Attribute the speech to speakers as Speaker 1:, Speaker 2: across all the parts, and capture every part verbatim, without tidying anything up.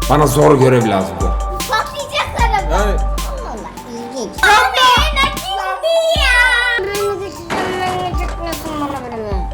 Speaker 1: Bana zor görev lazım.
Speaker 2: Patlayacaklar ama.
Speaker 1: Yani
Speaker 2: Allah ilginç. Anne nakildi ya. Kırmızı çizimlerine çıkmasın bana böyle.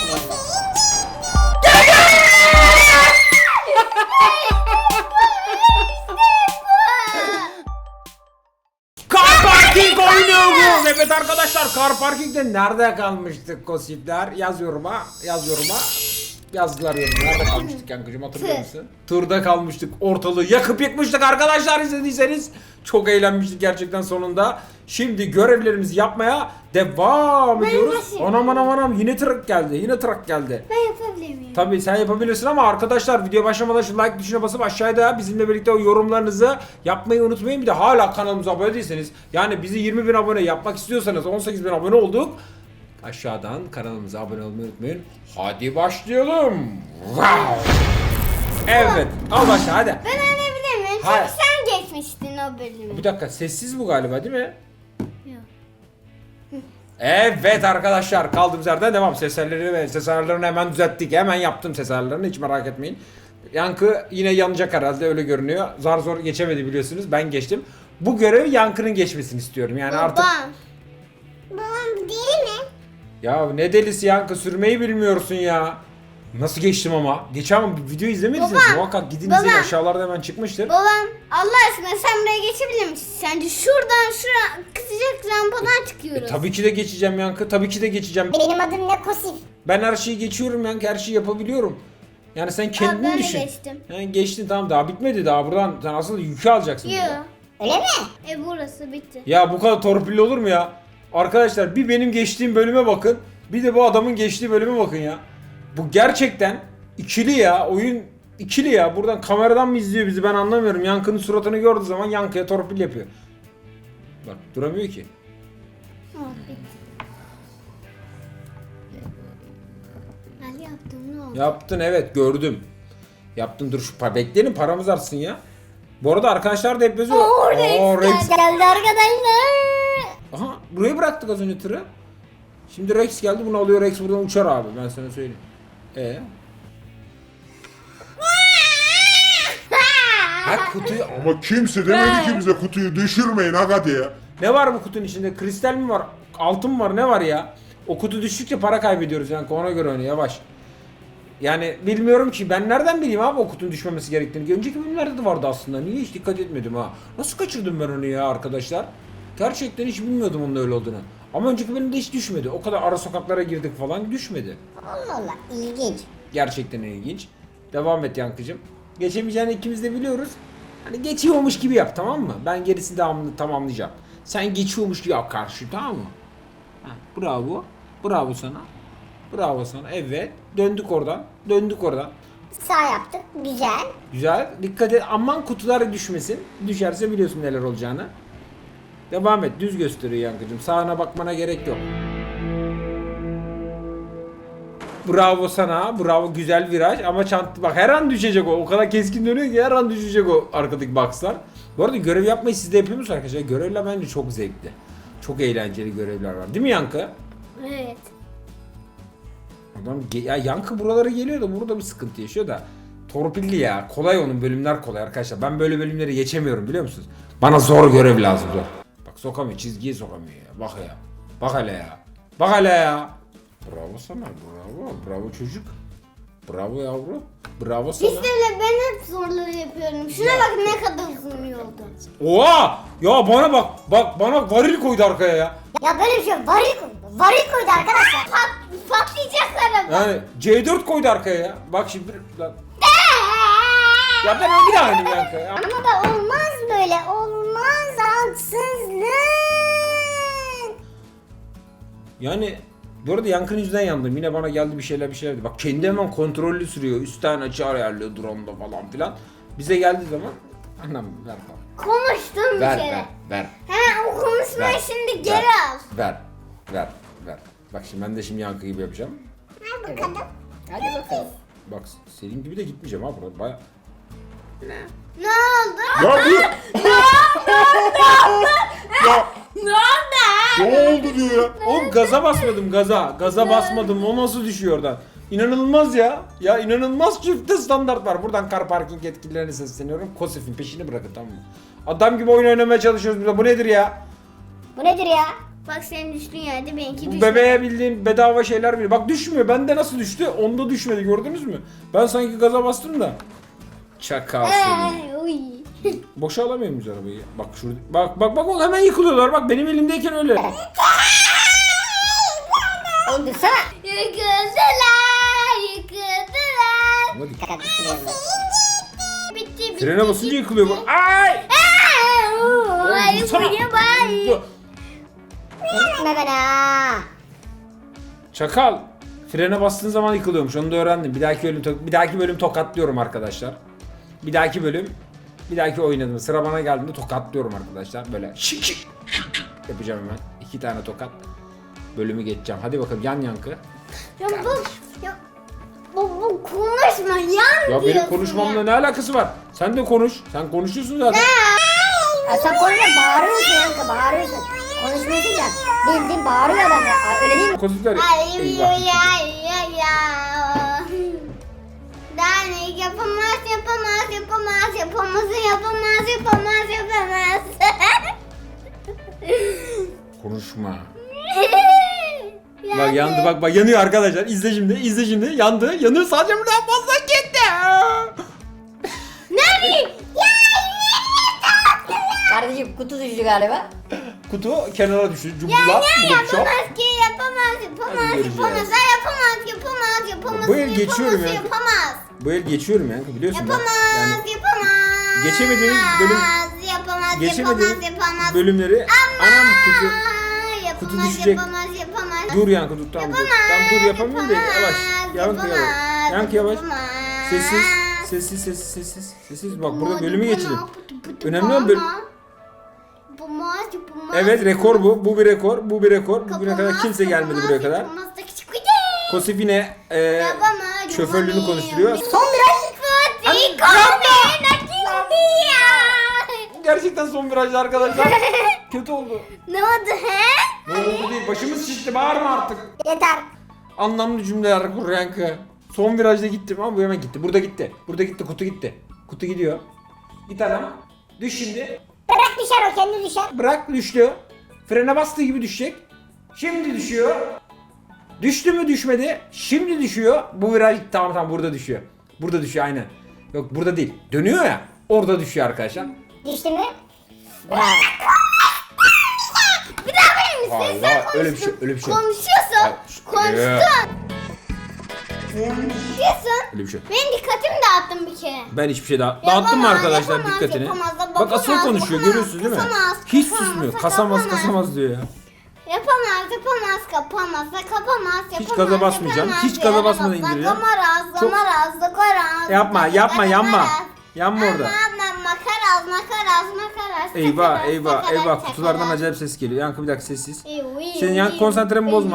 Speaker 1: Car Parking oynuyor bu. Evet arkadaşlar, Car Parking'de nerede kalmıştık kosipler? Yaz yoruma, yaz yoruma. Yazdılar yoruma. Nerede kalmıştık yankıcım, hatırlıyor musun? Turda kalmıştık. Ortalığı yakıp yıkmıştık arkadaşlar, izlediyseniz. Çok eğlenmiştik gerçekten sonunda. Şimdi görevlerimizi yapmaya devam ediyoruz.
Speaker 2: nasıl
Speaker 1: Anam anam anam, yine trak geldi. Yine trak geldi.
Speaker 2: Ben yapabilir miyim?
Speaker 1: Tabii sen yapabilirsin ama arkadaşlar video başlamadan şu like tuşuna basıp aşağıda bizimle birlikte o yorumlarınızı yapmayı unutmayın. Bir de hala kanalımıza abone değilseniz, yani bizi yirmi bin abone yapmak istiyorsanız, on sekiz bin abone olduk. Aşağıdan kanalımıza abone olmayı unutmayın. Hadi başlayalım. Wow. Evet, al başla hadi.
Speaker 2: Ben öğrenebilir miyim? Çünkü
Speaker 1: Hayır.
Speaker 2: sen geçmiştin o bölümü.
Speaker 1: Bir dakika, sessiz bu galiba değil mi?
Speaker 2: Yok.
Speaker 1: Evet arkadaşlar, kaldığımız yerden devam. Ses ayarları ve ses ayarlarını hemen düzelttik. Hemen yaptım ses ayarlarını, hiç merak etmeyin. Yankı yine yanacak herhalde, öyle görünüyor. Zar zor geçemedi biliyorsunuz, ben geçtim. Bu görevi Yankı'nın geçmesini istiyorum yani
Speaker 2: Babam.
Speaker 1: artık.
Speaker 2: Babam deli mi?
Speaker 1: Ya ne delisi Yankı, sürmeyi bilmiyorsun ya. Nasıl geçtim ama? Geçen video izlemediyseniz
Speaker 2: Baba,
Speaker 1: muhakkak gidin
Speaker 2: baba.
Speaker 1: izleyin, aşağılarda hemen çıkmıştır.
Speaker 2: Babam Allah aşkına sen buraya geçebilir misin? Sence şuradan şura kısacak rampadan çıkıyoruz.
Speaker 1: E, tabii ki de geçeceğim Yankı, tabii ki de geçeceğim.
Speaker 2: Benim adım ne Kosif?
Speaker 1: Ben her şeyi geçiyorum Yankı, her şeyi yapabiliyorum. Yani sen kendini
Speaker 2: ben de
Speaker 1: düşün.
Speaker 2: geçtim.
Speaker 1: Yani geçtin, tamam, daha bitmedi, daha buradan sen asıl yükü alacaksın.
Speaker 2: Yok.
Speaker 1: burada.
Speaker 2: Öyle mi? E burası bitti.
Speaker 1: Ya bu kadar torpilli olur mu ya? Arkadaşlar bir benim geçtiğim bölüme bakın, bir de bu adamın geçtiği bölüme bakın ya. Bu gerçekten ikili ya, oyun ikili ya. Buradan kameradan mı izliyor bizi, ben anlamıyorum. Yankı'nın suratını gördüğü zaman Yankı'ya torpil yapıyor. Bak duramıyor ki.
Speaker 2: Ha, bitti. Ali yaptım, ne oldu?
Speaker 1: Yaptın, evet gördüm. Yaptın, dur şu pa bekleyelim, paramız artsın ya. Bu arada arkadaşlar da hep yazıyor.
Speaker 2: Oo, Rex,
Speaker 1: Oo, Rex.
Speaker 2: geldi arkadaşlar.
Speaker 1: Aha, buraya bıraktık az önce tırı. Şimdi Rex geldi, bunu alıyor, Rex buradan uçar abi, ben sana söyleyeyim. Ee? Ha kutuyu...
Speaker 3: Ama kimse demedi ki bize kutuyu düşürmeyin aga diye.
Speaker 1: Ne var bu kutunun içinde? Kristal mi var? Altın mı var? Ne var ya? O kutu düştükçe para kaybediyoruz yani, ona göre oyna yavaş. Yani bilmiyorum ki, ben nereden bileyim abi o kutunun düşmemesi gerektiğini. Önceki bölümlerde de vardı aslında. Niye hiç dikkat etmedim ha? Nasıl kaçırdım ben onu ya arkadaşlar? Gerçekten hiç bilmiyordum onun öyle olduğunu. Ama önceki bölümde hiç düşmedi. O kadar ara sokaklara girdik falan, düşmedi.
Speaker 2: Allah Allah, ilginç.
Speaker 1: Gerçekten ilginç. Devam et Yankıcım. Geçemeyeceğini ikimiz de biliyoruz. Hani geçiyormuş gibi yap, tamam mı? Ben gerisini devamlı tamamlayacağım. Sen geçiyormuş gibi yap karşı, tamam mı? Ha, bravo. Bravo sana. Bravo sana. Evet. Döndük oradan. Döndük oradan.
Speaker 2: Sağ yaptık, güzel.
Speaker 1: Güzel. Dikkat et. Aman kutular düşmesin. Düşerse biliyorsun neler olacağını. Devam et. Düz gösteriyor Yankıcım. Sağına bakmana gerek yok. Bravo sana. Bravo, güzel viraj ama çant bak, her an düşecek o. O kadar keskin dönüyor ki her an düşecek o arkadaki boxlar. Bu arada görev yapmayı siz de yapıyor musunuz arkadaşlar? Görevler bence çok zevkli. Çok eğlenceli görevler var. Değil mi Yankı?
Speaker 2: Evet.
Speaker 1: Adam ya Yankı buralara geliyor da burada bir sıkıntı yaşıyor da. Torpilli ya. Kolay, onun bölümler kolay arkadaşlar. Ben böyle bölümleri geçemiyorum, biliyor musunuz? Bana zor görev lazım, zor. Bak sokamıyor, çizgiye sokamıyor ya. Bak ya. Bak hele ya. Bak hele ya. Bravo sana, bravo. Bravo çocuk. Bravo yavru. Bravo sana.
Speaker 2: İşte öyle, ben hep zorları yapıyorum. Şuna bak ne kadar uzun yoldu.
Speaker 1: Oha! Ya bana bak. Bak bana varil koydu arkaya ya.
Speaker 2: Ya böyle bir şey varil koydu. Varil koydu arkadaşlar. Pat, patlayacaklar ama.
Speaker 1: Yani C dört koydu arkaya ya. Bak şimdi. Lan. Ya ben bir daha oynayayım Yankı ya.
Speaker 2: Ama da olmaz böyle. Olmaz, haksızlık.
Speaker 1: Yani bu arada Yankı'nın yüzünden yandım. Yine bana geldi bir şeyler bir şeyler dedi. Bak kendi hemen kontrollü sürüyor. Üstten açı ayarlıyor drone'da falan filan. Bize geldiği zaman anam ver falan.
Speaker 2: Konuştum bir
Speaker 1: Ver
Speaker 2: kere.
Speaker 1: ver ver.
Speaker 2: He, o konuşmayı
Speaker 1: Ver,
Speaker 2: şimdi
Speaker 1: ver,
Speaker 2: geri al.
Speaker 1: Ver ver ver. Bak şimdi ben de şimdi Yankı gibi yapacağım.
Speaker 2: Ver bakalım.
Speaker 1: Hadi bakalım. Bak senin gibi de gitmeyeceğim ha burada. Baya...
Speaker 2: Ne oldu?
Speaker 3: Ya bu... ya
Speaker 2: Ne oldu?
Speaker 3: ne oldu diyor ya.
Speaker 1: Oğlum gaza basmadım, gaza. Gaza basmadım. O nasıl düşüyor oradan? İnanılmaz ya. Ya inanılmaz çifte standart var. Buradan kar parking yetkililerine sesleniyorum. Kosif'in peşini bırakın, tamam mı? Adam gibi oyun oynamaya çalışıyoruz burada. Bu nedir ya?
Speaker 2: Bu nedir ya? Bak senin düştüğün yerde benimki
Speaker 1: Bu
Speaker 2: düştü.
Speaker 1: bebeğe bildiğin bedava şeyler bile. Bak düşmüyor. Bende nasıl düştü? Onda düşmedi, gördünüz mü? Ben sanki gaza bastım da. Çakal seni.
Speaker 2: Ay, uy.
Speaker 1: Boşa alamıyor muyuz arabayı? Bak şurada. Bak bak bak bak, hemen yıkılıyorlar. Bak benim elimdeyken öyle.
Speaker 2: Oğlum dursana. Yıkıldılar, yıkıldılar.
Speaker 1: Ama dikkat.
Speaker 2: Fakat bitiriyorum ben. Bitti bitti.
Speaker 1: Frene basınca yıkılıyor bu. Ay!
Speaker 2: Ay,
Speaker 1: Dursana.
Speaker 2: buraya bay. Gitme bana.
Speaker 1: Çakal. Frene bastığın zaman yıkılıyormuş. Onu da öğrendim. Bir dahaki bölüm to- bir dahaki bölüm tokatlıyorum arkadaşlar. Bir dahaki bölüm bir dahaki oynadım. Sıra bana geldiğinde tokatlıyorum arkadaşlar. Böyle şık şık şık şık yapacağım hemen. İki tane tokat. Bölümü geçeceğim. Hadi bakalım, yan yankı.
Speaker 2: Ya bu, ya, bu, bu konuşma yan
Speaker 1: Ya benim
Speaker 2: diyorsun
Speaker 1: konuşmamla
Speaker 2: ya.
Speaker 1: ne alakası var? Sen de konuş. Sen konuşuyorsun zaten.
Speaker 2: Ya sen konuşma, bağırıyorsun yankı, bağırıyorsun. Konuşmuyorsun ya. Bildiğin bağırıyor adam ya. Öyle değil mi?
Speaker 1: Kozuklar.
Speaker 2: Ay
Speaker 1: Eyvah.
Speaker 2: ya ya ya. Dernek yapamaz, yapamaz, yapamaz, yapamaz, yapamaz, yapamaz, yapamaz.
Speaker 1: Konuşma. Bak yandı, bak bak yanıyor arkadaşlar. İzle şimdi, izle şimdi. Yandı, yanıyor. Sadece buradan fazla gitti.
Speaker 2: Ne bileyim? Ya kardeşim kutu düştü galiba.
Speaker 1: Kutu kenara düştü.
Speaker 2: Ya
Speaker 1: Cumbulak,
Speaker 2: ne
Speaker 1: buluk çok.
Speaker 2: yapamaz ki, yapamaz, yapamaz,
Speaker 1: Hadi göreceğiz.
Speaker 2: yapamaz, ha, yapamaz, yapamaz, yapamaz,
Speaker 1: Bu el geçiyorum
Speaker 2: yapamaz,
Speaker 1: ya.
Speaker 2: yapamaz.
Speaker 1: Bu el geçiyorum yani, biliyorsun ben.
Speaker 2: Yapamaz,
Speaker 1: Yani
Speaker 2: yapamaz.
Speaker 1: geçemediğimiz bölüm-
Speaker 2: Yapamaz,
Speaker 1: geçemediğim
Speaker 2: yapamaz, yapamaz.
Speaker 1: bölümleri anam kutu.
Speaker 2: Aa, yapamaz,
Speaker 1: kutu düşecek.
Speaker 2: yapamaz, yapamaz.
Speaker 1: Dur yankı, dur tamam dur.
Speaker 2: Yapamaz,
Speaker 1: Tamam dur, yapamıyorum da
Speaker 2: yapamaz,
Speaker 1: yavaş. Yankı yavaş.
Speaker 2: yapamaz,
Speaker 1: Yankı yavaş.
Speaker 2: yapamaz.
Speaker 1: Sessiz. Sessiz sessiz sessiz. Sessiz bak, burada
Speaker 2: Yapamaz,
Speaker 1: bölümü
Speaker 2: yapamaz,
Speaker 1: geçelim.
Speaker 2: pıtı pıtı
Speaker 1: Önemli olan bölüm.
Speaker 2: yapamaz. Yapamaz, yapamaz.
Speaker 1: Evet, rekor bu. Bu bir rekor. Bu bir rekor. Bugüne kadar
Speaker 2: Yapamaz,
Speaker 1: kimse gelmedi
Speaker 2: yapamaz,
Speaker 1: buraya kadar.
Speaker 2: yapamaz da küçük küçük.
Speaker 1: Kosif yine e,
Speaker 2: Yapamaz,
Speaker 1: şoförlüğünü
Speaker 2: yapamaz.
Speaker 1: konuşturuyor.
Speaker 2: Son viraj. Fatih Kahve nakildi ya.
Speaker 1: Gerçekten son virajda arkadaşlar. Kötü oldu.
Speaker 2: Ne oldu he?
Speaker 1: Ne oldu değil. Başımız şişti. Bağırma artık.
Speaker 2: Yeter.
Speaker 1: Anlamlı cümleler kur yankı. Son virajda gittim ama bu hemen gitti. Burada gitti. Burada gitti. Kutu gitti. Kutu gidiyor. Git adam. Düş şimdi.
Speaker 2: Bırak düşer o, kendi düşer.
Speaker 1: Bırak, düştü. Frene bastığı gibi düşecek. Şimdi düşüyor. Düştü mü düşmedi. Şimdi düşüyor. Bu viraj tamam tamam burada düşüyor. Burada düşüyor aynen. Yok burada değil. Dönüyor ya. Orada düşüyor arkadaşlar.
Speaker 2: Düştü mü? Bravo. Bir daha verir misin?
Speaker 1: Hayır,
Speaker 2: Sen
Speaker 1: hayır, öyle bir şey- öyle bir şey yok.
Speaker 2: Konuşuyorsun.
Speaker 1: Hayır,
Speaker 2: Konuştun. Konuşuyorsun.
Speaker 1: Öyle bir şey.
Speaker 2: Benim dikkatimi dağıttın bir kere.
Speaker 1: Ben hiçbir şey daha dağıttım mı
Speaker 2: Yapamaz,
Speaker 1: arkadaşlar
Speaker 2: yapamaz,
Speaker 1: dikkatini?
Speaker 2: yapamaz,
Speaker 1: Bak asıl
Speaker 2: yapamaz,
Speaker 1: konuşuyor,
Speaker 2: yapamaz,
Speaker 1: görüyorsunuz değil mi?
Speaker 2: kasamaz,
Speaker 1: Hiç
Speaker 2: kasamaz,
Speaker 1: susmuyor.
Speaker 2: kasamaz.
Speaker 1: Kasamaz kasamaz diyor ya.
Speaker 2: Yapamaz, yapamaz, kapamaz, kapamaz, yapamaz.
Speaker 1: Hiç gaza basmayacağım.
Speaker 2: yapamaz,
Speaker 1: Hiç gaza basmadan
Speaker 2: yapamaz,
Speaker 1: indireceğim.
Speaker 2: Zakamaraz,
Speaker 1: Çok-
Speaker 2: zamaraz, zakaraz.
Speaker 1: Yapma, yapma, yanma. Yanma orada.
Speaker 2: Yapma, makaraz, makaraz, makaraz.
Speaker 1: Eyvah
Speaker 2: sakaraz,
Speaker 1: eyvah
Speaker 2: sakaraz,
Speaker 1: eyvah, kutulardan
Speaker 2: sakaraz.
Speaker 1: acayip ses geliyor. Yankı bir dakika sessiz.
Speaker 2: Evi,
Speaker 1: Senin yan
Speaker 2: evi,
Speaker 1: konsantremi bozma.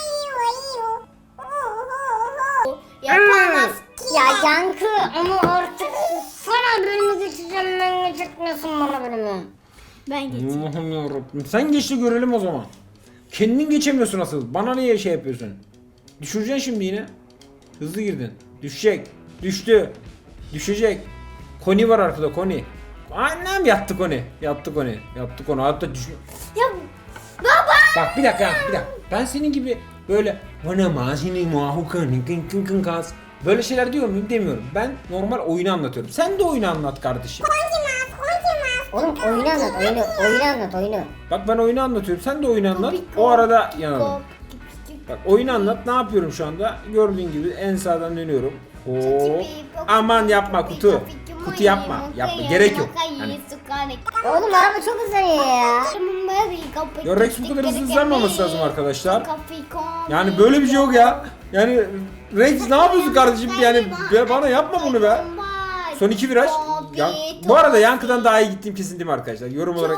Speaker 2: Yapamaz. Ya Yankı ama artık sana bölümü geçeceğim, ben geçirtmiyorsun bana bölümü. Ben geçeyim.
Speaker 1: Allah'ım yarabbim. Sen geç de görelim o zaman. Kendin geçemiyorsun asıl. Bana niye şey yapıyorsun? Düşüreceksin şimdi yine. Hızlı girdin. Düşecek. Düştü. Düşecek. Koni var arkada, Koni. Annem yattı Koni. Yattı Koni. Yattı Koni. Hatta düş...
Speaker 2: Ya baba.
Speaker 1: Bak bir dakika, bir dakika. Ben senin gibi böyle bana mazini muahukan kın kın kın kas böyle şeyler diyor muyum, demiyorum. Ben normal oyunu anlatıyorum. Sen de oyunu anlat kardeşim.
Speaker 2: Oğlum oyunu anlat, oyunu, oyunu anlat, oyunu.
Speaker 1: Bak ben oyunu anlatıyorum. Sen de oyunu anlat. O arada yanalım. Bak oyunu anlat. Ne yapıyorum şu anda? Gördüğün gibi en sağdan dönüyorum. Oo. Aman yapma kutu. Kutu yapma. Yapma. Gerek yok. Hani.
Speaker 2: Oğlum araba çok hızlanıyor ya.
Speaker 1: Ya Rex bu kadar hızlı hızlanmaması lazım arkadaşlar. Yani böyle bir şey yok ya. Yani Rex ne yapıyorsun kardeşim? Yani be- bana yapma bunu be. Son iki viraj. Ya, bu arada Yankı'dan daha iyi gittiğim kesin değil mi arkadaşlar? Yorum olarak.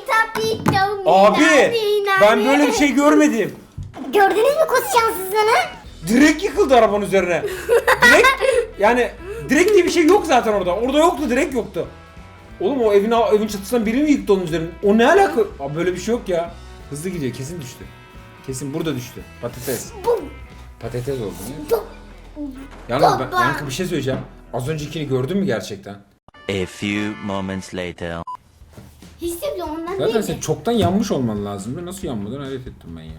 Speaker 1: Abi ben böyle bir şey görmedim.
Speaker 2: Gördünüz mü kız şanssızlığını?
Speaker 1: Direkt yıkıldı arabanın üzerine. Direkt yani direkt diye bir şey yok zaten orada. Orada yoktu, direkt yoktu. Oğlum o evin evin çatısından biri mi yıktı onun üzerine? O ne alaka? Abi böyle bir şey yok ya. Hızlı gidiyor, kesin düştü. Kesin burada düştü. Patates.
Speaker 2: Bum.
Speaker 1: Patates oldu.
Speaker 2: Bum.
Speaker 1: Yalnız ben, Yankı bir şey söyleyeceğim. Az öncekini gördün mü gerçekten?
Speaker 4: A few moments later.
Speaker 2: Hiç de bile ondan
Speaker 1: Zaten
Speaker 2: değil.
Speaker 1: sen çoktan yanmış olman lazım. Nasıl yanmadın hayret ettim ben ya.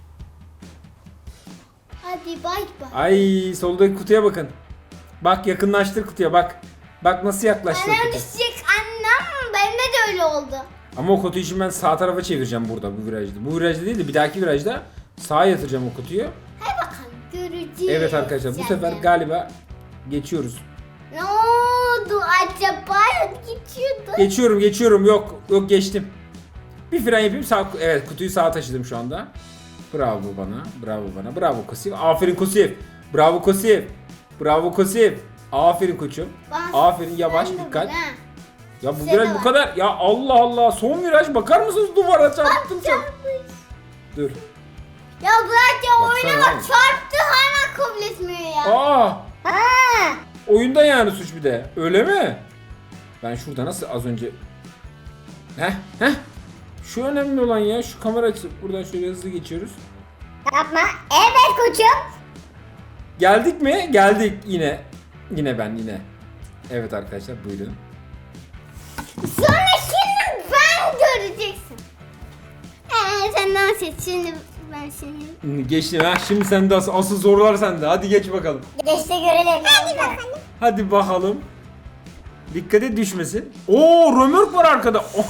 Speaker 2: Hadi bay bay.
Speaker 1: Ay soldaki kutuya bakın. Bak yakınlaştır kutuya bak. Bak nasıl yaklaştı
Speaker 2: Annem
Speaker 1: kutu.
Speaker 2: düşecek annem. Bende de öyle oldu.
Speaker 1: Ama o kutuyu şimdi ben sağ tarafa çevireceğim burada bu virajda. Bu virajda değil de bir dahaki virajda sağa yatıracağım o kutuyu.
Speaker 2: Hadi bakalım göreceğiz.
Speaker 1: Evet arkadaşlar bu sefer
Speaker 2: Yani.
Speaker 1: galiba geçiyoruz.
Speaker 2: Ne oldu acaba? Geçiyordu.
Speaker 1: Geçiyorum geçiyorum yok yok geçtim. Bir fren yapayım sağ evet kutuyu sağa taşıdım şu anda. Bravo bana bravo bana bravo Kosif. Aferin Kosif. Bravo Kosif. Bravo Kosif. Aferin koçum.
Speaker 2: Ben-
Speaker 1: Aferin yavaş
Speaker 2: ben de
Speaker 1: dikkat.
Speaker 2: bunu, ha.
Speaker 1: Ya bu
Speaker 2: Size
Speaker 1: viraj
Speaker 2: de
Speaker 1: bu
Speaker 2: var.
Speaker 1: kadar. Ya Allah Allah son viraj bakar mısınız duvara çarptım sen. Dur.
Speaker 2: Ya bırak ya
Speaker 1: Baksana
Speaker 2: oyuna bak
Speaker 1: abi.
Speaker 2: çarptı hala kabul etmiyor ya.
Speaker 1: Aa
Speaker 2: Ha.
Speaker 1: oyunda yani suç bir de. Öyle mi? Ben şurada nasıl az önce Heh heh. Şu önemli olan ya şu kamera açısı. Buradan şöyle hızlı geçiyoruz.
Speaker 2: Yapma. Evet koçum.
Speaker 1: Geldik mi? Geldik yine. Yine ben yine. Evet arkadaşlar buyurun.
Speaker 2: Sonra şimdi ben göreceksin. Ee, sen nasıl et? Şimdi ben seni...
Speaker 1: Geçtim ha. Şimdi sen de asıl, asıl sorular sende. Hadi geç bakalım.
Speaker 2: Geçti görelim. Hadi bakalım.
Speaker 1: Hadi bakalım. Dikkat et düşmesin. Oo römork var arkada. Oh.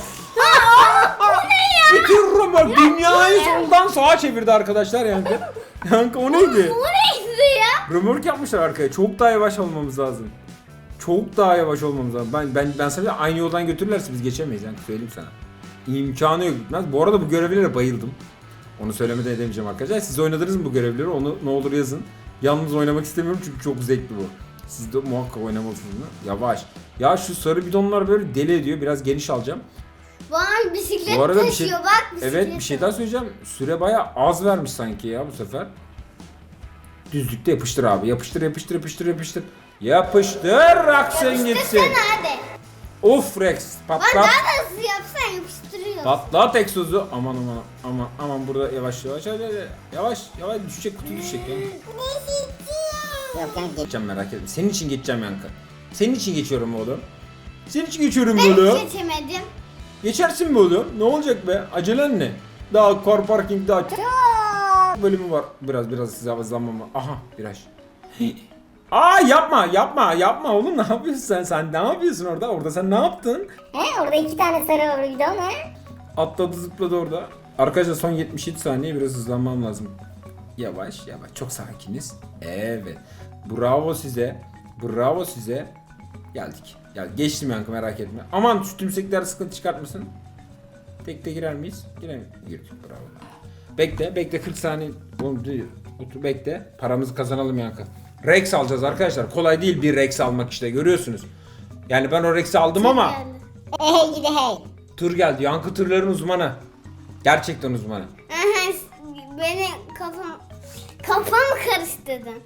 Speaker 1: Bitir römork. Dünyayı soldan sağa çevirdi arkadaşlar Yankı. Yankı o neydi?
Speaker 2: Bu neydi ya?
Speaker 1: Römork yapmışlar arkaya. Çok daha yavaş olmamız lazım. Çok daha yavaş olmamız lazım. Ben ben ben sana aynı yoldan götürürlerse biz geçemeyiz Yankı söyleyeyim sana. İmkanı yok gitmez. Bu arada bu görevlere bayıldım. Onu söylemeden edemeyeceğim arkadaşlar. Siz oynadınız mı bu görevleri? Onu ne olur yazın. Yalnız oynamak istemiyorum çünkü çok zevkli bu. Siz de muhakkak oynamalısınız. Yavaş. Ya şu sarı bidonlar böyle deli ediyor. Biraz geniş alacağım.
Speaker 2: Bana bisiklet
Speaker 1: Bu arada bir
Speaker 2: taşıyor
Speaker 1: şey,
Speaker 2: bak bisiklet.
Speaker 1: evet bir şey daha söyleyeceğim. Süre bayağı az vermiş sanki ya bu sefer. Düzlükte yapıştır abi. Yapıştır yapıştır yapıştır yapıştır. Yapıştır aksın gitsin.
Speaker 2: Yapıştırsana hadi.
Speaker 1: Of Rex
Speaker 2: Lan
Speaker 1: patlat.
Speaker 2: daha da hızlı yapsan yapıştırıyor.
Speaker 1: Patlat egzozu. Aman aman aman aman burada yavaş yavaş hadi, hadi. Yavaş yavaş düşecek kutu düşecek ya.
Speaker 2: Yok yani
Speaker 1: Geçeceğim merak etme. Senin için geçeceğim Yankı. Senin için geçiyorum oğlum. Senin için geçiyorum
Speaker 2: ben
Speaker 1: oğlum.
Speaker 2: geçemedim.
Speaker 1: Geçersin mi oğlum? Ne olacak be? Acelen ne? Daha car parking daha çok bölümü var. Biraz biraz size hızlanmam var. Aha viraj. Aa yapma yapma yapma oğlum ne yapıyorsun sen? Sen ne yapıyorsun orada? Orada sen ne yaptın?
Speaker 2: He orada iki tane sarı var bidon he.
Speaker 1: Atladı zıpladı orada. Arkadaşlar son yetmiş yedi saniye biraz hızlanmam lazım. Yavaş yavaş çok sakiniz. Evet. Bravo size. Bravo size. Geldik. Gel geçtim Yankı merak etme. Aman şu tümsekler sıkıntı çıkartmasın. Tek tek girer miyiz? Girer miyiz? Girdik bravo. Bekle bekle kırk saniye. Oğlum dur. Otur bekle. Paramızı kazanalım Yankı. Rex alacağız arkadaşlar. Kolay değil bir Rex almak işte görüyorsunuz. Yani ben o Rex'i aldım ama
Speaker 2: Hey gidi hey.
Speaker 1: tır geldi. Yankı tırların uzmanı. Gerçekten uzmanı.
Speaker 2: Aha beni kafam kafam karıştırdın.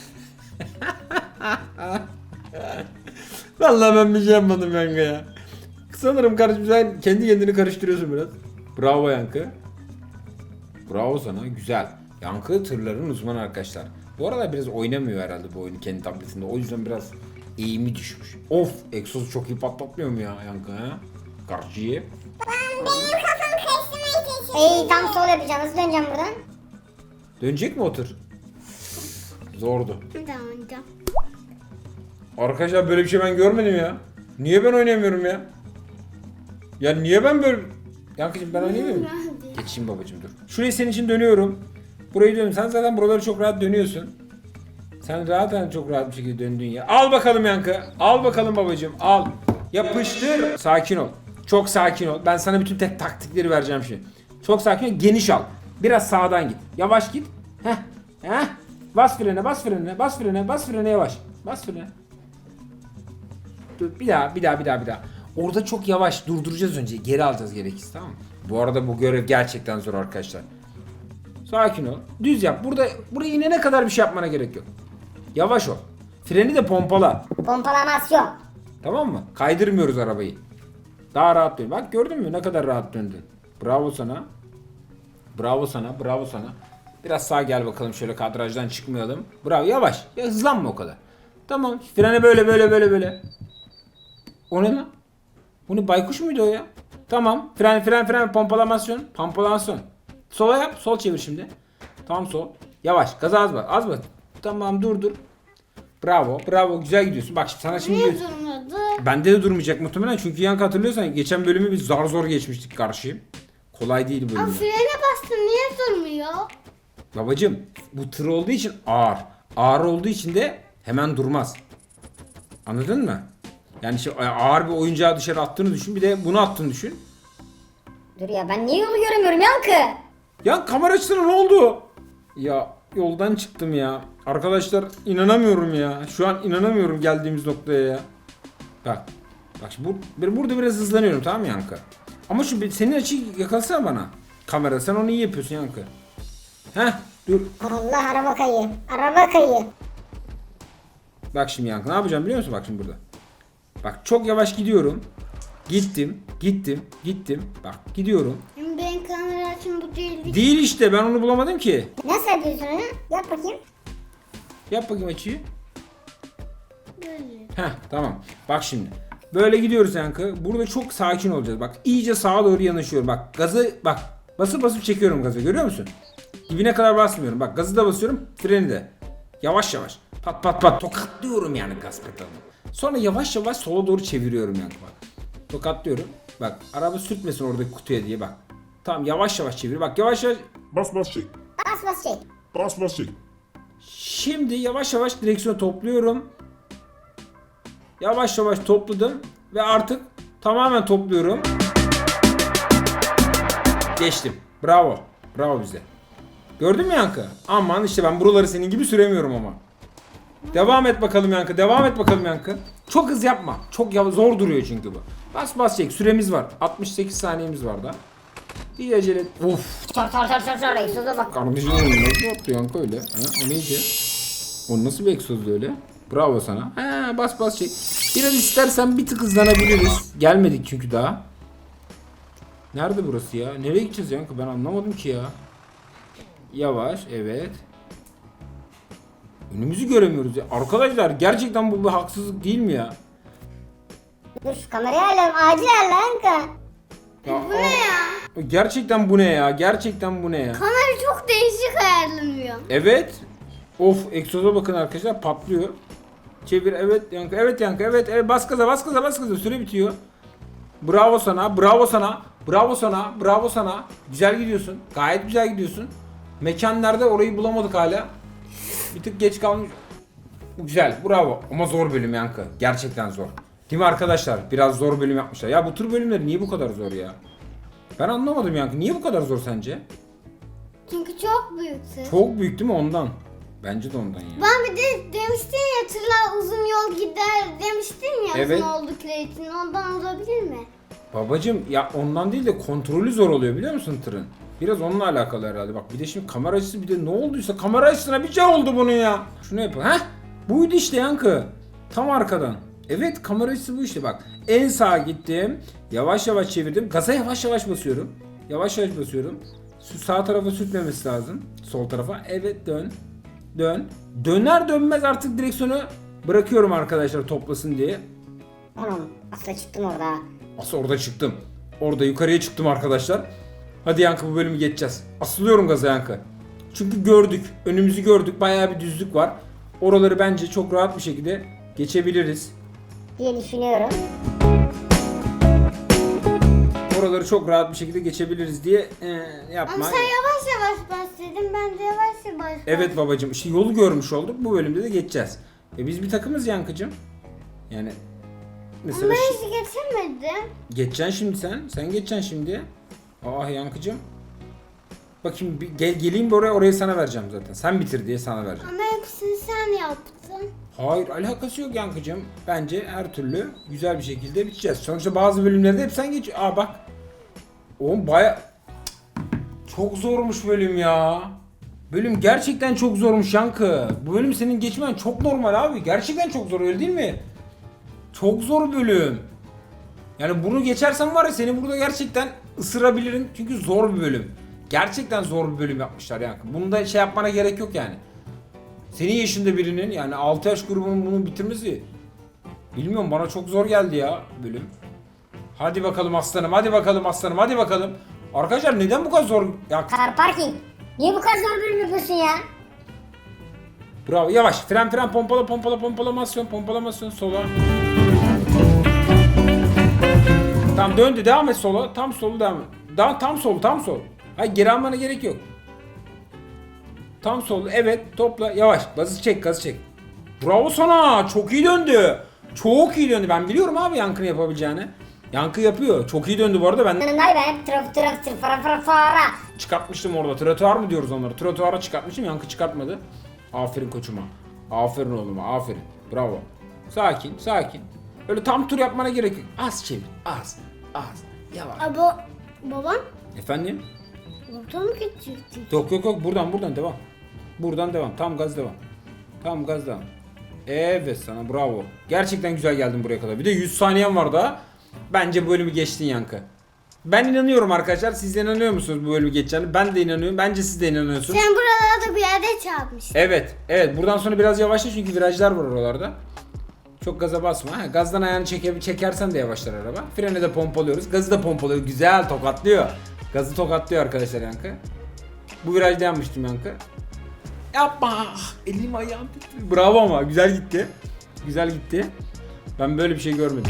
Speaker 1: Vallahi ben bir şey yapmadım Yankı ya. Sanırım kardeşim sen kendi kendini karıştırıyorsun biraz. Bravo Yankı. Bravo sana güzel. Yankı tırların uzmanı arkadaşlar. Bu arada biraz oynamıyor herhalde bu oyunu kendi tabletinde. O yüzden biraz eğimi düşmüş. Of egzozu çok iyi patlatmıyor mu ya Yankı ha? Karşıyı.
Speaker 2: Benim kafam karıştırmaya çalışıyor. Ey tam sol yapacağım nasıl döneceğim buradan?
Speaker 1: Dönecek mi o tır? Zordu.
Speaker 2: Tamam tamam.
Speaker 1: Arkadaşlar böyle bir şey ben görmedim ya. Niye ben oynayamıyorum ya? Ya niye ben böyle... Yankıcığım ben oynayamıyorum. Geçeyim babacığım dur. Şurayı senin için dönüyorum. Burayı dönüyorum. Sen zaten buraları çok rahat dönüyorsun. Sen zaten çok rahat bir şekilde döndün ya. Al bakalım Yankı. Al bakalım babacığım. Al. Yapıştır. Sakin ol. Çok sakin ol. Ben sana bütün tek taktikleri vereceğim şimdi. Çok sakin ol. Geniş al. Biraz sağdan git. Yavaş git. Heh. Heh. Bas frene, bas frene, bas frene, bas frene yavaş. Bas frene. Dur bir daha, bir daha, bir daha, bir daha. Orada çok yavaş durduracağız önce. Geri alacağız gerekirse tamam mı? Bu arada bu görev gerçekten zor arkadaşlar. Sakin ol. Düz yap. Burada buraya inene kadar bir şey yapmana gerek yok. Yavaş ol. Freni de pompala.
Speaker 2: Pompalamasyon.
Speaker 1: Tamam mı? Kaydırmıyoruz arabayı. Daha rahat dön. Bak gördün mü ne kadar rahat döndün. Bravo sana. Bravo sana. Bravo sana. Biraz sağa gel bakalım, şöyle kadrajdan çıkmayalım. Bravo, yavaş. Ya hızlanma o kadar. Tamam. Frene böyle böyle böyle böyle. O ne lan? Bu ne, baykuş muydu o ya? Tamam. Fren fren fren pompalamasyon. Pompalamasyon. Sola yap. Sol çevir şimdi. Tam sol. Yavaş. Gaza az bas. Az bas. Tamam, dur dur. Bravo. Bravo. Güzel gidiyorsun. Bak şimdi sana şimdi...
Speaker 2: Niye durmadı?
Speaker 1: Bende de durmayacak muhtemelen. Çünkü Yankı, hatırlıyorsan geçen bölümü biz zar zor geçmiştik karşıyı. Kolay değil bu
Speaker 2: Aa,
Speaker 1: bölüm.
Speaker 2: frene bastım niye durmuyor?
Speaker 1: Babacım, bu tır olduğu için ağır. Ağır olduğu için de hemen durmaz. Anladın mı? Yani şey, ağır bir oyuncağı dışarı attığını düşün. Bir de bunu attığını düşün.
Speaker 2: Dur ya, ben niye yolu göremiyorum Yankı?
Speaker 1: Ya kamera açısına ne oldu? Ya yoldan çıktım ya. Arkadaşlar inanamıyorum ya. Şu an inanamıyorum geldiğimiz noktaya ya. Bak. Bak şimdi bu, burada biraz hızlanıyorum, tamam mı Yankı? Ama şu bir- senin açıyı yakalasana bana. Kamera, sen onu iyi yapıyorsun Yankı. Heh, dur.
Speaker 2: Allah, araba kayıyor. Araba kayıyor.
Speaker 1: Bak şimdi Yankı, ne yapacağım biliyor musun? Bak şimdi burada. Bak çok yavaş gidiyorum. Gittim, gittim, gittim. Bak gidiyorum.
Speaker 2: Ben kamera açım bu değil.
Speaker 1: Değil işte, ben onu bulamadım ki.
Speaker 2: Nasıl yapıyorsun onu? Yap bakayım.
Speaker 1: Yap bakayım açıyı.
Speaker 2: Böyle.
Speaker 1: Heh, tamam. Bak şimdi. Böyle gidiyoruz Yankı. Burada çok sakin olacağız. Bak iyice sağa doğru yanaşıyorum. Bak gazı bak. Basıp basıp çekiyorum gazı. Görüyor musun? Dibine kadar basmıyorum. Bak gazı da basıyorum. Freni de. Yavaş yavaş. Pat pat pat. Tokatlıyorum yani gaz pedalını. Sonra yavaş yavaş sola doğru çeviriyorum Yankı bak. Tokatlıyorum. Bak araba sürtmesin oradaki kutuya diye bak. Tamam, yavaş yavaş çevir. Bak yavaş yavaş.
Speaker 3: Bas bas çek.
Speaker 2: Bas bas çek.
Speaker 3: Bas bas çek.
Speaker 1: Şimdi yavaş yavaş direksiyonu topluyorum. Yavaş yavaş topladım ve artık tamamen topluyorum. Geçtim. Bravo. Bravo bize. Gördün mü Yankı? Aman işte ben buraları senin gibi süremiyorum ama. Devam et bakalım Yankı. Devam et bakalım Yankı. Çok hız yapma. Çok yav- zor duruyor çünkü bu. Bas bas çek. Süremiz var. altmış sekiz saniyemiz var da. Bir acele et. Of.
Speaker 2: Çar çar çar çar çar. Egzoza bak.
Speaker 1: Kardeşim nasıl yaptı Yankı öyle? Ha, o neydi? O nasıl bir egzozdu öyle? Bravo sana. Ha, bas bas çek. Biraz istersen bir tık hızlanabiliriz. Gelmedik çünkü daha. Nerede burası ya? Nereye gideceğiz Yankı? Ben anlamadım ki ya. Yavaş, evet. Önümüzü göremiyoruz ya. Arkadaşlar gerçekten bu bir haksızlık değil mi ya?
Speaker 2: Dur şu kamerayı alalım. Acil al Yankı.
Speaker 1: Ya bu ne ya? Gerçekten bu ne ya? Gerçekten bu ne ya?
Speaker 2: Kamera çok değişik ayarlanıyor.
Speaker 1: Evet. Of, egzoza bakın arkadaşlar, patlıyor. Çevir, evet Yankı, evet Yankı, evet, evet, bas gaza, bas gaza, bas gaza, süre bitiyor. Bravo sana, bravo sana, bravo sana, bravo sana. Güzel gidiyorsun, gayet güzel gidiyorsun. Mekan nerede, orayı bulamadık hala. Bir tık geç kalmış. Güzel, bravo. Ama zor bölüm Yankı, gerçekten zor. Değil mi arkadaşlar? Biraz zor bölüm yapmışlar. Ya bu tür bölümler niye bu kadar zor ya? Ben anlamadım Yankı, niye bu kadar zor sence?
Speaker 2: Çünkü çok büyüktü.
Speaker 1: Çok büyük değil mi ondan? Bence de ondan ya.
Speaker 2: Ben bir de demiştin ya, tırlar uzun yol gider demiştin ya,
Speaker 1: Evet.
Speaker 2: uzun oldu kreatin, ondan olabilir mi?
Speaker 1: Babacım ya ondan değil de kontrolü zor oluyor biliyor musun tırın? Biraz onunla alakalı herhalde. Bak bir de şimdi kamera açısı, bir de ne olduysa kamera açısına bir şey oldu bunun ya. Şunu yapalım. Heh, buydu işte Yankı. Tam arkadan. Evet, kamera açısı bu işte bak. En sağa gittim. Yavaş yavaş çevirdim. Gaza yavaş yavaş basıyorum. Yavaş yavaş basıyorum. Şu sağ tarafa sürtmemesi lazım. Sol tarafa. Evet, dön. Dön. Döner dönmez artık direksiyonu bırakıyorum arkadaşlar toplasın diye.
Speaker 2: Anam asla çıktım orada.
Speaker 1: Asıl orada çıktım. Orada yukarıya çıktım arkadaşlar. Hadi Yankı, bu bölümü geçeceğiz. Asılıyorum gaza Yankı. Çünkü gördük. Önümüzü gördük. Bayağı bir düzlük var. Oraları bence çok rahat bir şekilde geçebiliriz.
Speaker 2: Diye düşünüyorum.
Speaker 1: Oraları çok rahat bir şekilde geçebiliriz diye e, yapma.
Speaker 2: Ama sen yavaş yavaş bas dedim, ben de yavaş yavaş bas.
Speaker 1: Evet babacım, işte yolu görmüş olduk. Bu bölümde de geçeceğiz. E biz bir takımız Yankıcım. Yani mesela
Speaker 2: Ama ben
Speaker 1: şi-
Speaker 2: hiç geçemedim.
Speaker 1: geçeceksin şimdi sen. Sen geçeceksin şimdi. Ah Yankıcım. Bakayım bir gel, geleyim bir oraya, orayı sana vereceğim zaten. Sen bitir diye sana vereceğim.
Speaker 2: Ama hepsini sen yaptın.
Speaker 1: Hayır, alakası yok Yankıcım. Bence her türlü güzel bir şekilde biteceğiz. Sonuçta bazı bölümlerde hep sen geç. Aa bak. Oğlum baya... Çok zormuş bölüm ya. Bölüm gerçekten çok zormuş Yankı. Bu bölüm senin geçmen çok normal abi. Gerçekten çok zor, öyle değil mi? Çok zor bölüm. Yani bunu geçersen var ya, seni burada gerçekten ısırabilirim. Çünkü zor bir bölüm. Gerçekten zor bir bölüm yapmışlar Yankı. Bunda şey yapmana gerek yok yani. Senin yaşında birinin yani altı yaş grubunun bunu bitirmesi bilmiyorum bana çok zor geldi ya bölüm. Hadi bakalım aslanım, hadi bakalım aslanım, hadi bakalım. Arkadaşlar neden bu kadar zor? Ya
Speaker 2: Car parking. Niye bu kadar zor bölüm yapıyorsun ya?
Speaker 1: bravo, yavaş. Fren fren pompala pompala pompalamasyon pompalamasyon sola. Tam döndü, devam et sola. Tam solu devam et. Daha tam sol, tam sol. Hayır, geri almana gerek yok. Tam sol, evet, topla, yavaş. Gazı çek, gazı çek. Bravo sana, çok iyi döndü. Çok iyi döndü. Ben biliyorum abi Yankı'nın yapabileceğini. Yankı yapıyor. Çok iyi döndü bu arada. Ben
Speaker 2: Yanındayım ben hep trafik trafik trafik fara fara fara.
Speaker 1: çıkartmıştım orada. Trotuar mı diyoruz onları? Trotuara çıkartmıştım. Yankı çıkartmadı. Aferin koçuma. Aferin oğluma. Aferin. Bravo. Sakin, sakin. Öyle tam tur yapmana gerek yok. Az çevir. Az. Az. Yavaş.
Speaker 2: Abo babam
Speaker 1: Efendim?
Speaker 2: orta mı gidecekti?
Speaker 1: Yok yok yok. Buradan buradan devam. Buradan devam. Tam gaz devam. Tam gaz devam. Evet sana bravo. Gerçekten güzel geldin buraya kadar. Bir de yüz saniyen var daha. Bence bu bölümü geçtin Yankı. Ben inanıyorum arkadaşlar. Siz de inanıyor musunuz bu bölümü geçeceğini? Ben de inanıyorum. Bence siz de inanıyorsunuz.
Speaker 2: Sen buralarda bir yerde çarpmışsın.
Speaker 1: Evet. Evet. Buradan sonra biraz yavaşla çünkü virajlar var oralarda. Çok gaza basma. Ha, gazdan ayağını çeke, çekersen de yavaşlar araba. Freni de pompalıyoruz. Gazı da pompalıyor. Güzel tokatlıyor. Gazı tokatlıyor arkadaşlar Yankı. Bu virajda yanmıştım Yankı. Yapma. Elim ayağım titriyor. Bravo ama. Güzel gitti. Güzel gitti. Ben böyle bir şey görmedim.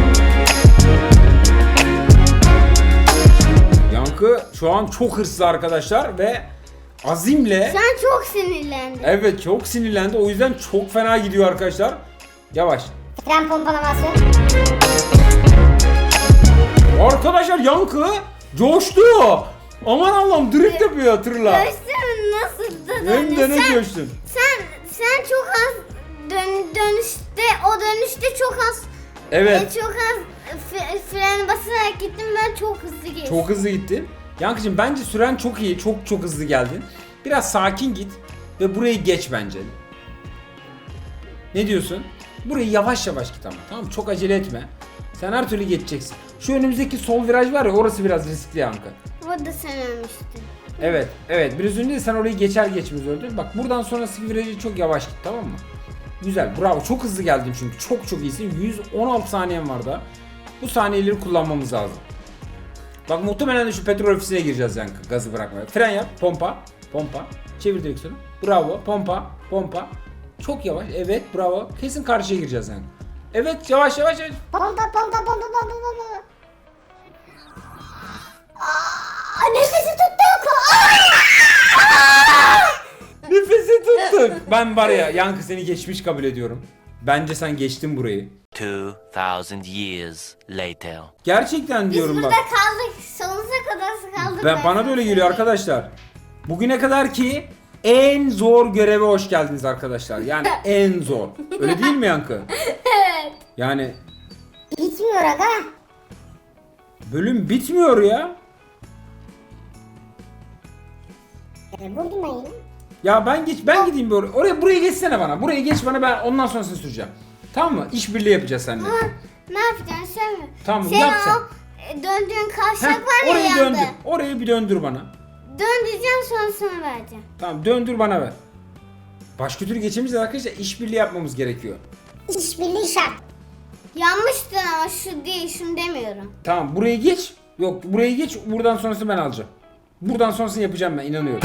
Speaker 1: Yankı şu an çok hırslı arkadaşlar ve azimle.
Speaker 2: Sen çok sinirlendin.
Speaker 1: Evet çok sinirlendi. O yüzden çok fena gidiyor arkadaşlar. Yavaş.
Speaker 2: Fren pompalaması.
Speaker 1: Arkadaşlar Yankı coştu. Aman Allah'ım drift yapıyor tırla.
Speaker 2: Görsün nasıl da
Speaker 1: Hem
Speaker 2: döndü.
Speaker 1: de ne
Speaker 2: Sen,
Speaker 1: coştun.
Speaker 2: sen, sen çok az dön, dönüşte, o dönüşte çok az
Speaker 1: Evet.
Speaker 2: e, çok az f- fren basarak gittim, ben çok hızlı geçtim.
Speaker 1: Çok hızlı gitti. Yankıcığım bence süren çok iyi. Çok çok hızlı geldin. Biraz sakin git ve burayı geç bence. Ne diyorsun? Burayı yavaş yavaş git ama, tamam mı? Çok acele etme. Sen her türlü geçeceksin. Şu önümüzdeki sol viraj var ya, orası biraz riskli Yankı.
Speaker 2: Orada sen ölmüştün.
Speaker 1: Evet, evet. Biraz önce de sen orayı geçer geçmez öldün. Bak buradan sonrası virajı çok yavaş git, tamam mı? Güzel, bravo. Çok hızlı geldin çünkü. Çok çok iyisin. yüz on altı saniyen var da. Bu saniyeleri kullanmamız lazım. Bak muhtemelen de şu petrol ofisine gireceğiz Yankı. Gazı bırakmaya. Fren yap, pompa, pompa. Çevir direksiyonu. Bravo, pompa, pompa. Çok yavaş. Evet, bravo. Kesin karşıya gireceğiz Yankı. Evet, yavaş yavaş yavaş.
Speaker 2: Pompa pompa pompa pompa pompa. Aa, nefesi tuttuk.
Speaker 1: Nefesi tuttuk. Ben var ya Yankı seni geçmiş kabul ediyorum. Bence sen geçtin burayı.
Speaker 4: Two thousand years later.
Speaker 1: Gerçekten
Speaker 2: Biz
Speaker 1: diyorum
Speaker 2: burada
Speaker 1: bak.
Speaker 2: kaldık. Sonsuza kadar kaldık.
Speaker 1: Ben, bana da öyle geliyor arkadaşlar. Bugüne kadar ki en zor göreve hoş geldiniz arkadaşlar. Yani en zor. Öyle değil mi Yankı?
Speaker 2: Evet.
Speaker 1: Yani
Speaker 2: Bitmiyor aga.
Speaker 1: bölüm bitmiyor ya.
Speaker 2: E, buldum ben yine.
Speaker 1: Ya ben geç ben gideyim bir oraya. Oraya buraya geçsene bana. Buraya geç bana, ben ondan sonrasını süreceğim. Tamam mı? İşbirliği yapacağız seninle.
Speaker 2: Ama ne yapacaksın sen mi?
Speaker 1: Tamam,
Speaker 2: sen
Speaker 1: yap sen.
Speaker 2: o e, döndüğün kavşak
Speaker 1: Heh,
Speaker 2: var ya
Speaker 1: orayı
Speaker 2: yanda.
Speaker 1: döndür. Orayı bir döndür bana.
Speaker 2: Döndüreceğim, sonra sana vereceğim.
Speaker 1: Tamam, döndür bana ver. Başka türlü geçemeyeceğiz arkadaşlar. İşbirliği yapmamız gerekiyor.
Speaker 2: İşbirliği şart. Yanmıştın ama şu değil, şunu demiyorum.
Speaker 1: Tamam, burayı geç. Yok, burayı geç. Buradan sonrasını ben alacağım. Buradan sonrasını yapacağım ben, inanıyorum.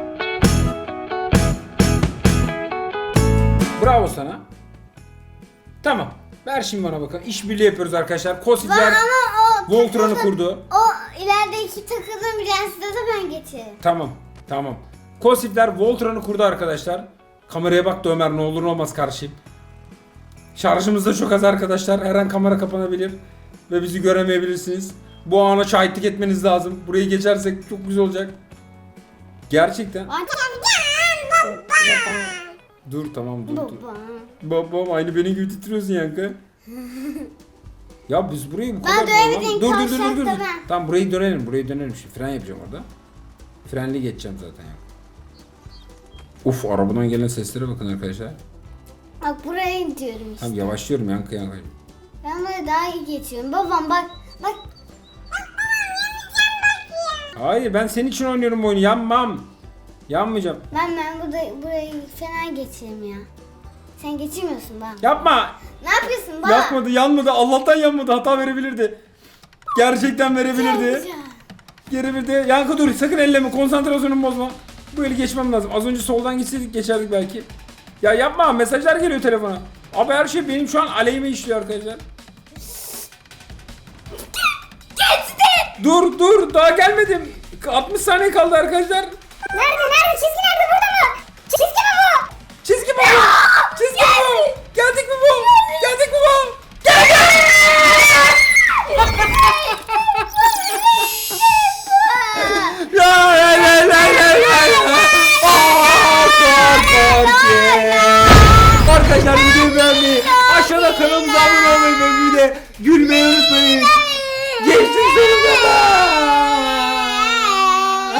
Speaker 1: Bravo sana. Tamam. Ver şimdi bana bakalım. İşbirliği yapıyoruz arkadaşlar.
Speaker 2: Var
Speaker 1: Kosifler
Speaker 2: ama o
Speaker 1: Voltron'u
Speaker 2: takıldı-
Speaker 1: kurdu.
Speaker 2: O ilerideki takıldığım prensde de ben geçerim.
Speaker 1: Tamam. Tamam. Kosifler Voltron'u kurdu arkadaşlar. Kameraya bak da Ömer, ne olur ne olmaz karşıyım. Şarjımız da çok az arkadaşlar. Her an kamera kapanabilir. Ve bizi göremeyebilirsiniz. Bu ana şahitlik etmeniz lazım. Burayı geçersek çok güzel olacak. Gerçekten. Dur tamam dur dur.
Speaker 2: Baba.
Speaker 1: Babam aynı benim gibi titriyorsun Yankı. Ya biz burayı bu
Speaker 2: Ben
Speaker 1: kadar...
Speaker 2: dönemedim,
Speaker 1: Dur dur dur dur dur.
Speaker 2: kavşakta ben.
Speaker 1: Tamam, burayı dönelim, burayı dönelim. Şimdi fren yapacağım orada. Frenli geçeceğim zaten ya. Uf, arabadan gelen seslere bakın arkadaşlar.
Speaker 2: Bak buraya gidiyorum işte.
Speaker 1: Tamam, yavaşlıyorum Yankı Yankı.
Speaker 2: Ben böyle daha iyi geçiyorum. Babam bak bak.
Speaker 1: Hayır ben senin için oynuyorum bu oyunu. Yanmam. Yanmayacağım.
Speaker 2: Ben ben burada burayı fena geçireyim ya. Sen geçirmiyorsun bana.
Speaker 1: Yapma.
Speaker 2: Ne yapıyorsun bana?
Speaker 1: Yapmadı, yanmadı. Allah'tan yanmadı. Hata verebilirdi. Gerçekten verebilirdi. Geri bir de Yankı dur, sakın elleme, konsantrasyonumu bozma. Bu eli geçmem lazım. Az önce soldan gitseydik geçerdik belki. Ya yapma, mesajlar geliyor telefona. Abi her şey benim şu an aleyhime işliyor arkadaşlar.
Speaker 2: Geçti.
Speaker 1: Dur dur, daha gelmedim. altmış saniye kaldı arkadaşlar.